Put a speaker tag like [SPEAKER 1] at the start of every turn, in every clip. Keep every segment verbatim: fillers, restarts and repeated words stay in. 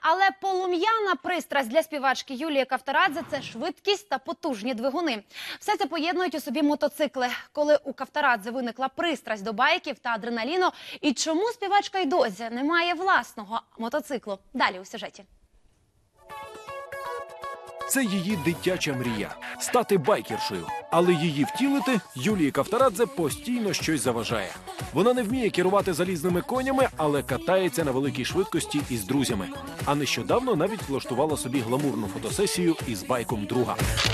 [SPEAKER 1] Але полум'яна пристрасть для співачки Юлії Кавторадзе – це швидкість та потужні двигуни. Все це поєднують у собі мотоцикли. Коли у Кавторадзе виникла пристрасть до байків та адреналіну, і чому співачка й досі не має власного мотоциклу? Далі у сюжеті.
[SPEAKER 2] Це її дитяча мрія – стати байкершою. Але її втілити Юлії Кавторадзе постійно щось заважає. Вона не вміє керувати залізними конями, але катається на великій швидкості із друзями. А нещодавно навіть влаштувала собі гламурну фотосесію із байком друга.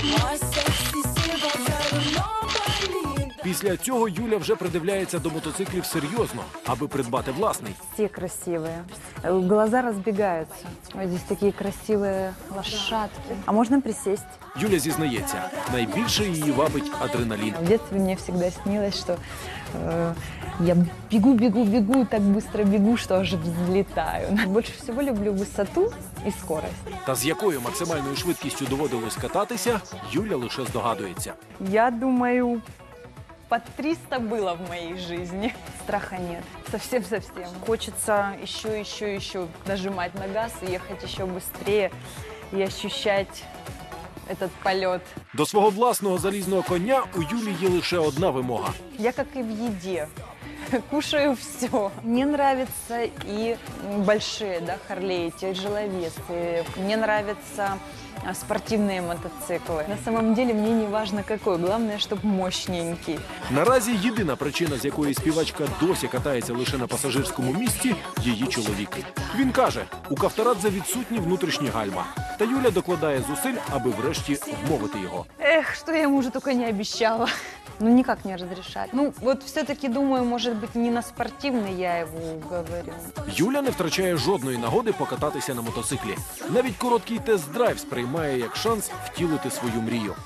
[SPEAKER 2] Після цього Юля вже придивляється до мотоциклів серйозно, аби придбати власний.
[SPEAKER 3] Все красивые. Глаза разбегаются. Вот здесь такие красивые лошадки. А можно присесть?
[SPEAKER 2] Юля зізнається, найбільше її вабить адреналін.
[SPEAKER 3] В детстве мне всегда снилось, что э, я бегу, бегу, бегу, так быстро бегу, что аж взлетаю. Больше всего люблю высоту и скорость.
[SPEAKER 2] Та з якою максимальною швидкістю доводилось кататися, Юля лише здогадується.
[SPEAKER 3] Я думаю, по триста было в моей жизни. Страха нет. Совсем-совсем. Хочется еще, еще, еще нажимать на газ и ехать еще быстрее и ощущать этот полет.
[SPEAKER 2] До свого власного залізного коня у Юлі є лише одна вимога.
[SPEAKER 3] Я как и в еде. Кушаю все. Мне нравятся и большие, да, Харлеи, тяжеловесы. Мне нравятся спортивные мотоциклы. На самом деле мне не важно какой, главное, чтобы мощненький.
[SPEAKER 2] Наразі єдина причина, з якої співачка досі катається лише на пасажирському місці – її чоловік. Він каже, у Кавторадзе відсутні внутрішні гальма. Та Юля докладає зусиль, аби врешті вмовити його.
[SPEAKER 3] Эх, что я ему уже только не обещала. Ну, никак не разрешать. Ну, вот все-таки думаю, может быть, не на спортивный я его уговорю.
[SPEAKER 2] Юля не втрачає жодної нагоди покататися на мотоциклі. Навіть короткий тест-драйв сприймає як шанс втілити свою мрію.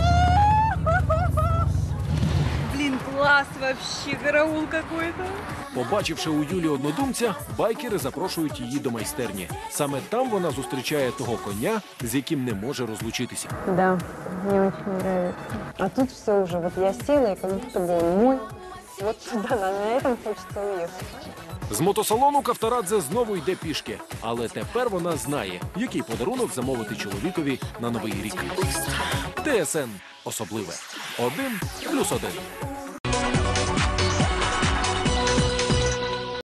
[SPEAKER 3] Блин, класс вообще, караул какой-то.
[SPEAKER 2] Побачивши у Юлі однодумця, байкери запрошують її до майстерні. Саме там вона зустрічає того коня, з яким не може розлучитися.
[SPEAKER 3] Да, мне очень нравится. А тут все уже, вот я села, и как будто бы он мой. Вот туда, на этом хочется уехать.
[SPEAKER 2] З мотосалону Кавторадзе знову йде пішки. Але тепер вона знає, який подарунок замовити чоловікові на Новий рік. ТСН особливе. Один плюс один.